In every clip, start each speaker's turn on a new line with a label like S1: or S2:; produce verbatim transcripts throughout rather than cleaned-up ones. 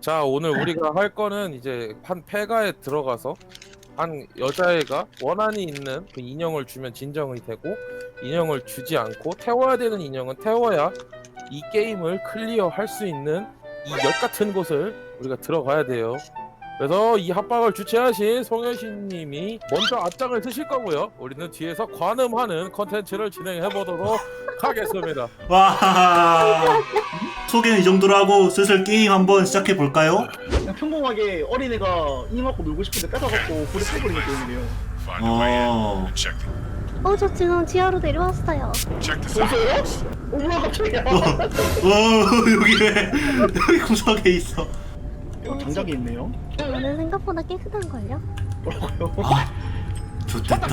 S1: 자, 오늘 우리가 할 거는 이제 한 폐가에 들어가서 한 여자애가 원한이 있는 그 인형을 주면 진정이 되고, 인형을 주지 않고 태워야 되는 인형은 태워야 이 게임을 클리어할 수 있는 이 역 같은 곳을 우리가 들어가야 돼요. 그래서 이 합방을 주최하신 송혜신님이 먼저 앞장을 쓰실 거고요. 우리는 뒤에서 관음하는 컨텐츠를 진행해 보도록 하겠습니다.
S2: 와, 소개는 이 정도로 하고 슬슬 게임 한번 시작해 볼까요?
S3: 그냥 평범하게 어린애가 인형 갖고 놀고 싶은데 뺏어갖고 불에 타버리는 게임이래요.
S2: 어,
S4: 어, 저 지금 지하로 내려왔어요.
S3: 보세요? 어머 갑자기야.
S2: 어, 여기 왜 여기 구석에 있어?
S3: 여기 장작이 있네요.
S4: 오늘 생각보다 깨끗한걸요?
S3: 뭐라고요?
S2: 아, 좋됐다.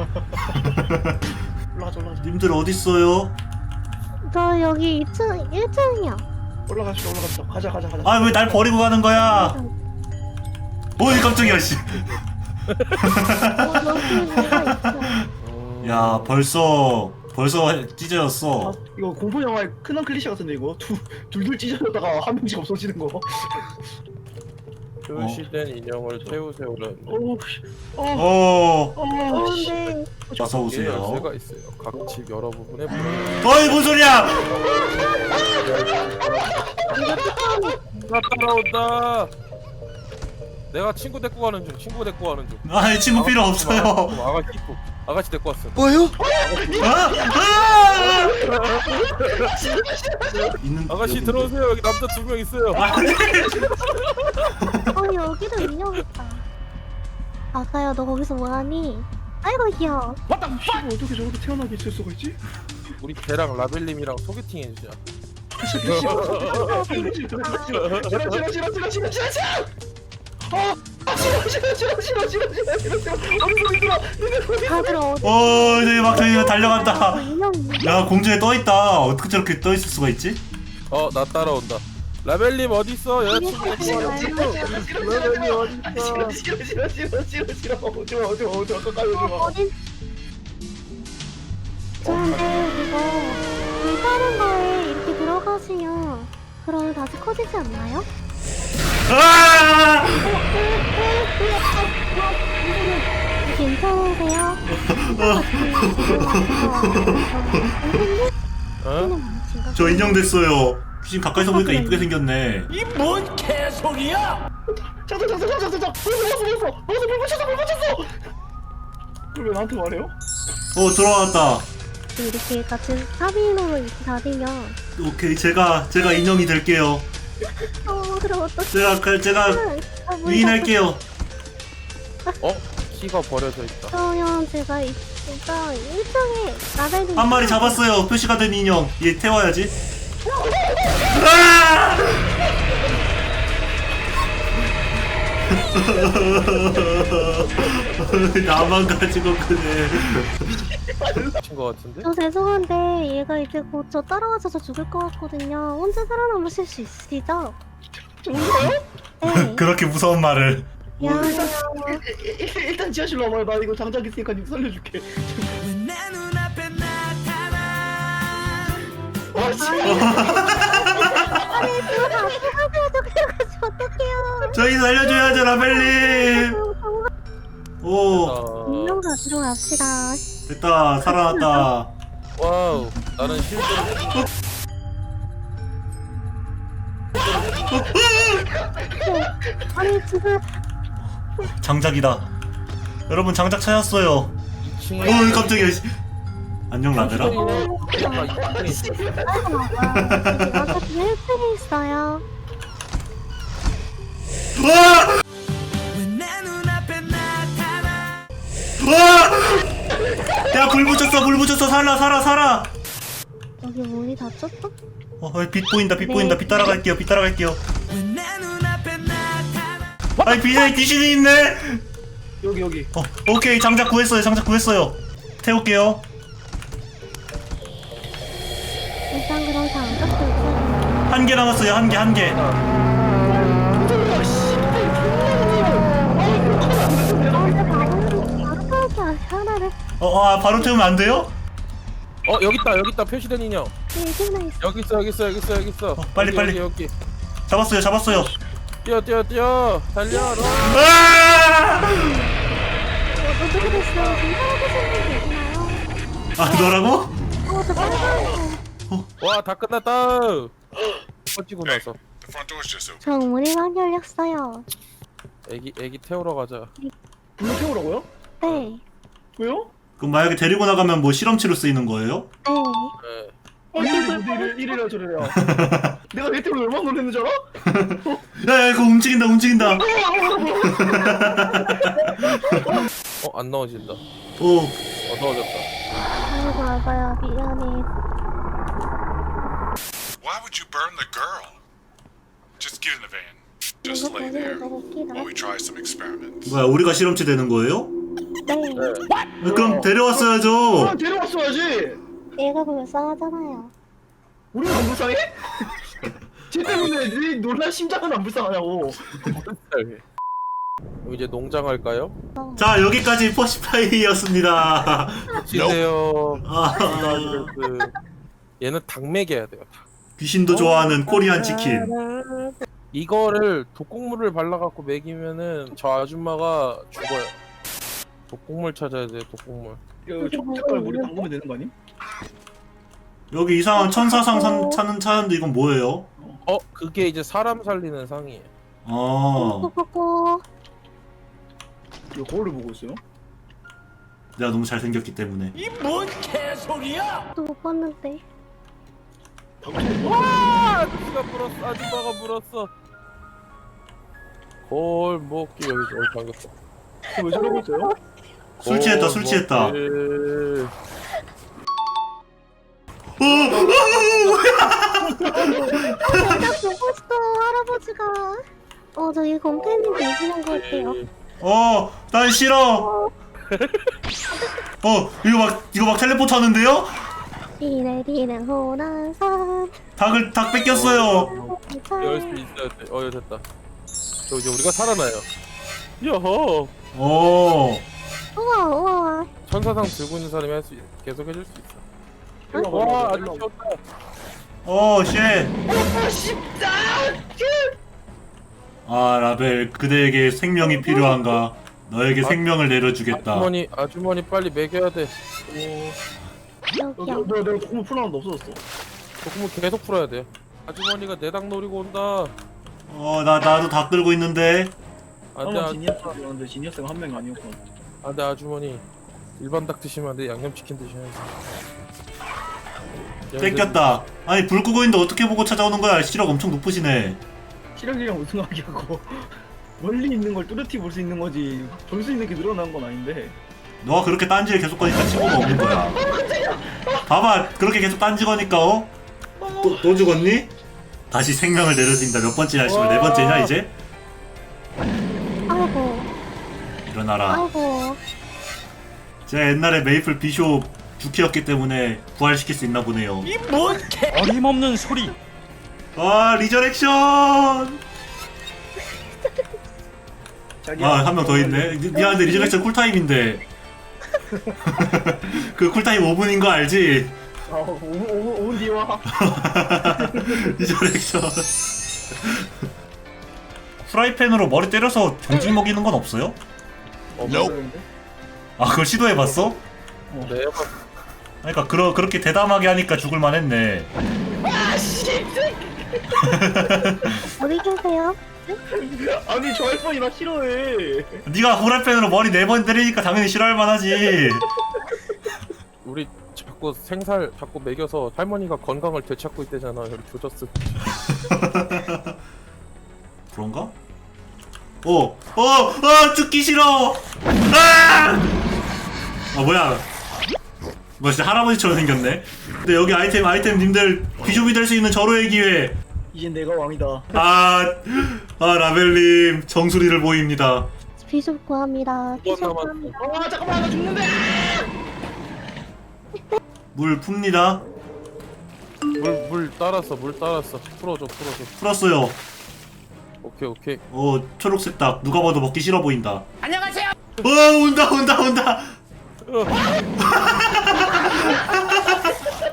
S3: 올라가자 올라가자.
S2: 님들 어디 있어요?
S4: 저 여기 이 층, 일 층이요.
S3: 올라가시다 올라가시다. 가자 가자 가자.
S2: 아, 왜 날 버리고 가는 거야? 어이 깜짝이야, 씨.
S4: 어, 여기 뭐가 있어.
S2: 야, 벌써 벌써
S3: 아,
S2: 찢어졌어.
S3: 이거 공포 영화의 큰한 클리셰 같은데 이거 두 둘둘 찢어졌다가 한 명씩 없어지는 거.
S1: 표시된 인형을 태우세요는
S3: 어우 씨. 어.
S2: 어,
S3: 어.
S4: 어,
S3: 씨.
S4: 근데
S2: 어서 오세요.
S1: 열쇠가 있어요. 각 집 여러 부분에 보면
S2: 어이, 뭔 소리야?
S1: 누가 따라온다. 내가 친구 데리고 가는 중. 친구 데리고 가는 중.
S2: 아, 친구 필요 없어요.
S1: 아가씨 이쁘. 아가씨 데리고 왔어.
S2: 뭐요? 아, 아! 있는
S1: 아가씨
S2: 여기
S1: 들어오세요. 여기 남자 두 명 있어요.
S4: 어, 여기도 인형 있다. 아가야, 너 거기서 뭐하니? 아이고 귀여워.
S3: 맞다. 씨발 어떻게 저렇게 태어나게 있을 수가 있지?
S1: 우리 걔랑 라벨님이랑 소개팅 해주자.
S3: 싫어 싫어 싫어 싫어 싫어 싫어 싫어 싫어. 어. 아 싫어 싫어 싫어 싫어 싫어 싫어 싫어 싫어. 아무 소리 들어.
S4: 다들 어디?
S2: 어, 저기 막 저기
S4: 어,
S2: 달려간다.
S4: 인형 있네.
S2: 야, 공중에 떠 있다. 어떻게 저렇게 떠 있을 수가 있지?
S1: 어, 나 따라온다. 라벨님 어디 있어? 여자친구 데리고 와라. 라벨님 어디 있어?
S3: 싫어 싫어 싫어 싫어 싫어. 오지 마 오지 마 오지 마 가까이 오지 마.
S4: 어디? 저한테 이거 불 다른 거에 이렇게 들어가시면 그러면 다시 커지지 않나요?
S2: 아!
S4: 괜찮으세요?
S1: 어?
S2: 저 인형 됐어요. 귀신 가까이서 보니까 이쁘게 생겼네.
S3: 잠깐 잠깐 잠깐 잠깐. 벌써 벌써 벌써 벌써 불 붙였어 불 붙였어. 그왜 나한테 말해요?
S2: 어, 들어왔다.
S4: 이렇게 같은 사비인으로 이렇게 다니면
S2: 오케이, 제가 제가 인형이 될게요.
S4: 어 그럼 어떡해.
S2: 제가 그 제가
S4: 아, 문
S2: 위인할게요.
S1: 어? 키가 버려져 있다.
S4: 그러면 제가 이- 일단 일 층에 나달리
S2: 한 마리 잡았어요. 표시가 된 인형. 얘 태워야지. 아! 나만 가지고 그래.
S1: 미친 거 같은데?
S4: 저 죄송한데 얘가 이제 곧 저 따라와서 죽을 것 같거든요. 혼자 살아남으실 수 있으시죠?
S3: 좋은가요?
S4: 네.
S2: 그렇게 무서운 말을.
S4: 미안해요.
S3: 일단 지하실로 와봐요. 나 이거 장작 있으니까 님 살려줄게. 와 씨.
S4: 아니 그거 다 수고하셔야죠. 그래가지고 어떡해요.
S2: 저희 살려줘야죠, 라벨님. 오,
S1: 어...
S4: 인형 가지러 갑시다.
S2: 됐다. 살아났다.
S1: 와우. 나는 실제로
S4: 아니 지금
S2: 장작이다. 여러분, 장작 찾았어요.
S1: 이 층에
S2: 어, 깜짝이야. 씨. 안녕, 라벨아.
S4: 아이고 맞아. 제가 같은 일 층에 있어요.
S2: 우와! 우와! 야, 불 붙였어, 불 붙였어. 살아, 살아, 살아.
S4: 여기 문이 닫혔어?
S2: 어, 빛 보인다, 빛 보인다. 빛 따라갈게요, 빛 따라갈게요. 아니, 빛에 귀신이 있네.
S3: 여기 여기.
S2: 어, 오케이. 장작 구했어요, 장작 구했어요. 태울게요.
S4: 일단 그럼 장갑도 있어요.
S2: 한 개 남았어요, 한 개, 한 개.
S4: 바로 타기 하나를
S2: 어, 아, 바로 태우면 안 돼요?
S1: 어, 여기 있다. 여기 있다. 표시된 인형.
S4: 일기나 있어.
S1: 여기 있어. 여기 있어. 여기 있어. 여기 있어.
S2: 어, 빨리,
S1: 여기,
S2: 빨리.
S1: 여기, 여기.
S2: 잡았어요, 잡았어요.
S1: 뛰어 뛰어 뛰어 달려라.
S2: 아!
S4: 어, 어떻게 됐어요? 괜찮으신 분 계시나요?
S2: 아 너라고?
S4: 어, 저 빨간
S1: 와 다 끝났다. 꺼지고 나서
S5: The front door's just open.
S4: 저 문이만 열렸어요.
S1: 애기 애기 태우러 가자.
S3: 불로 태우라고요?
S4: 네.
S3: 왜요?
S2: 그럼 만약에 데리고 나가면 뭐 실험치로 쓰이는 거예요?
S4: 네.
S1: 네.
S3: 아니 이를 이래라 저래라. 내가 내 때문에 얼마나 놀랐는 줄 알아?
S2: 야야 이거 움직인다 움직인다.
S1: 어 안 넣어진다.
S2: 오
S1: 어 넣어졌다.
S4: 아이고, 아가야, 미안해.
S5: Why would you burn the girl? Just get in the van. Just
S4: 이거
S5: lay
S4: 되게
S5: there
S4: 너무 웃기다.
S5: while we try some experiments.
S2: 뭐야 우리가 실험치 되는 거예요?
S4: 네.
S1: 네.
S2: 아, 그럼 데려왔어야죠.
S3: 아 데려왔어야지.
S4: 얘가 불쌍하잖아요.
S3: 우리는 안 불쌍해? 쟤 때문에 네 놀란 심장은 안 불쌍하냐고.
S1: 그럼 이제 농장 할까요?
S2: 자 여기까지 퍼시파이였습니다.
S1: 쉬세요.
S2: 아,
S1: 그 얘는 닭 먹여야 돼요. 닭.
S2: 귀신도 좋아하는 코리안 치킨.
S1: 이거를 독곡물을 발라갖고 먹이면은 저 아줌마가 죽어요. 독곡물 찾아야 돼요. 독곡물.
S3: 이거 초록색깔 머리 담그면 되는 거 아니?
S2: 여기 이상한 천사상 산, 찾는 차는데 이건 뭐예요?
S1: 어 그게 이제 사람 살리는 상이에요.
S2: 아
S4: 꼬꼬꼬.
S3: 이거 거울을 보고 있어요?
S2: 내가 너무 잘생겼기 때문에.
S4: 또 못 봤는데.
S1: 와 아저씨가 물었어. 아줌마가 물었어. 골목길 여기 여기 잠겼어.
S3: 왜 저러고 있어요?
S2: 술 취했다 술 취했다.
S1: 골목길.
S2: 어, 어,
S4: 딱 보고 싶어, 할아버지가. 어, 저기 곰팬님 계시는 것 같아요.
S2: 어, 난 싫어. 어, 이거 막 이거 막 텔레포트 하는데요?
S4: 비 내리는 호랑산.
S2: 닭을 닭 뺏겼어요.
S1: 열 수 있어야 돼. 어, 됐다. 저 이제 우리가 살아나요. 여호.
S2: 오,
S4: 우와, 우와.
S1: 천사상 들고 있는 사람이 할 수 계속 해줄 수 있어.
S3: 일로
S1: 와,
S3: 와봐,
S1: 아주
S3: 일로 와봐.
S1: 귀엽다.
S2: 어, 쉣.
S3: 아 쉽다.
S2: 아, 라벨, 그대에게 생명이 필요한가? 너에게
S1: 아,
S2: 생명을 내려주겠다.
S1: 아주머니, 아주머니 빨리 먹여야 돼. 오,
S3: 어,
S4: 여기요.
S3: 뭐야 내가 조금 풀어놨는데 없어졌어.
S1: 조금은 계속 풀어야 돼요. 아주머니가 내 닭 노리고 온다.
S2: 어, 나 나도 닭 끌고 있는데.
S1: 안돼,
S3: 한번
S1: 아,
S3: 지니어스였는데 지니어스가 한 명이 아니었구나.
S1: 안돼 아주머니. 일반 닭 드시면 안 돼. 양념치킨 드셔야지.
S2: 뺏겼다. 아니, 불 끄고 있는데 어떻게 보고 찾아오는 거야? 시력 엄청 높으시네.
S3: 시력이랑 우승하기하고 멀리 있는 걸 뚜렷이 볼 수 있는 거지 볼 수 있는 게 늘어난 건 아닌데.
S2: 너가 그렇게 딴지를 계속 거니까 친구가 없는 거야. 봐봐, 그렇게 계속 딴지 거니까 어? 또, 또 죽었니? 다시 생명을 내려준다. 몇 번째냐, 씨발. 네 번째냐, 이제?
S4: 아이고,
S2: 일어나라.
S4: 아이고.
S2: 제가 옛날에 메이플 비숍 주키였기 때문에 부활시킬 수 있나 보네요.
S6: 어림없는 소리.
S2: 아, 리저렉션!
S3: 자기야,
S2: 아, 한 명 더 있네. 미- 미안한데, 리저렉션 쿨타임인데. 그 쿨타임 오 분인 거 알지?
S3: 아, 오 분 오 분 뒤에 와.
S2: 리저렉션. 프라이팬으로 머리 때려서 경직 먹이는 건 없어요?
S1: 어,
S3: 그러는데?
S2: 아, 그걸 시도해봤어?
S1: 네,
S2: 그러니까 그러, 그렇게 대담하게 하니까 죽을만 했네.
S4: 어디 계세요?
S3: 아니 저 할머니 나 싫어해.
S2: 네가 프라이팬으로 머리 네 번 때리니까 당연히 싫어할 만하지.
S1: 우리 자꾸 생살 자꾸 먹여서 할머니가 건강을 되찾고 있대잖아. 여기 조졌어.
S2: 그런가? 어, 어, 어, 죽기 싫어. 아! 아 뭐야? 뭐 진짜 할아버지처럼 생겼네. 근데 여기 아이템 아이템 님들 비숍이 될 수 있는 절호의 기회.
S3: 이젠 내가 왕이다.
S2: 아, 아 라벨님 정수리를 보입니다.
S4: 비숍 구합니다. 비숍
S1: 남았어.
S4: 구합니다.
S3: 아 잠깐만 나 죽는데.
S2: 물 풉니다.
S1: 물 물 따랐어. 물 따랐어. 풀어줘, 풀어줘.
S2: 풀었어요.
S1: 오케이, 오케이.
S2: 어, 초록색 닭 누가 봐도 먹기 싫어 보인다. 안녕하세요. 어, 온다, 온다, 온다.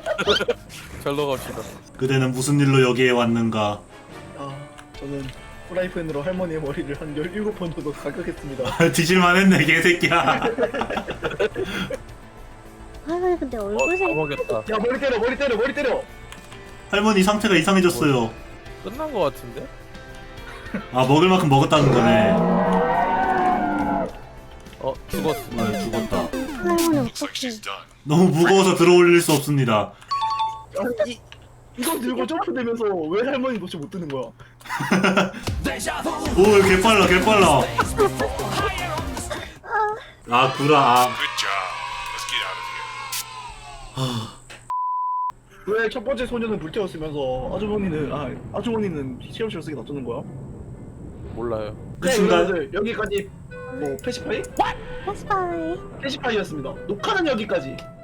S1: 잘 넣어갑시다.
S2: 그대는 무슨 일로 여기에 왔는가?
S3: 아 저는 프라이팬으로 할머니의 머리를 한 열일곱 번 정도 가격했습니다.
S2: 뒤질만 했네 개새끼야.
S4: 할머니 근데
S1: 어,
S4: 얼굴
S1: 다
S4: 색
S1: 먹였다.
S3: 야 머리 때려 머리 때려 머리 때려.
S2: 할머니 상태가 이상해졌어요.
S1: 끝난 거 같은데?
S2: 아 먹을 만큼 먹었다는 거네.
S1: 어 죽었어.
S2: 아 죽었다.
S4: 할머니
S5: Looks like
S4: 어떡해.
S5: she's done.
S2: 너무 무거워서 들어올릴 수 없습니다.
S3: 아니 이 이거 들고 점프되면서 왜 할머니 도대체 못 드는 거야?
S2: 오 개빨라 개빨라. 아 구라. 아.
S5: Good job. Let's get out of here.
S3: 왜 첫 번째 소녀는 불태웠으면서 아주머니는 아 아주머니는 시험실 쓰기 놔두는 거야?
S1: 몰라요.
S2: 그
S3: 네,
S2: 순간
S3: 여러분들 여기까지 뭐 패시파이?
S4: 패스파이.
S3: 패시파이였습니다. 녹화는 여기까지.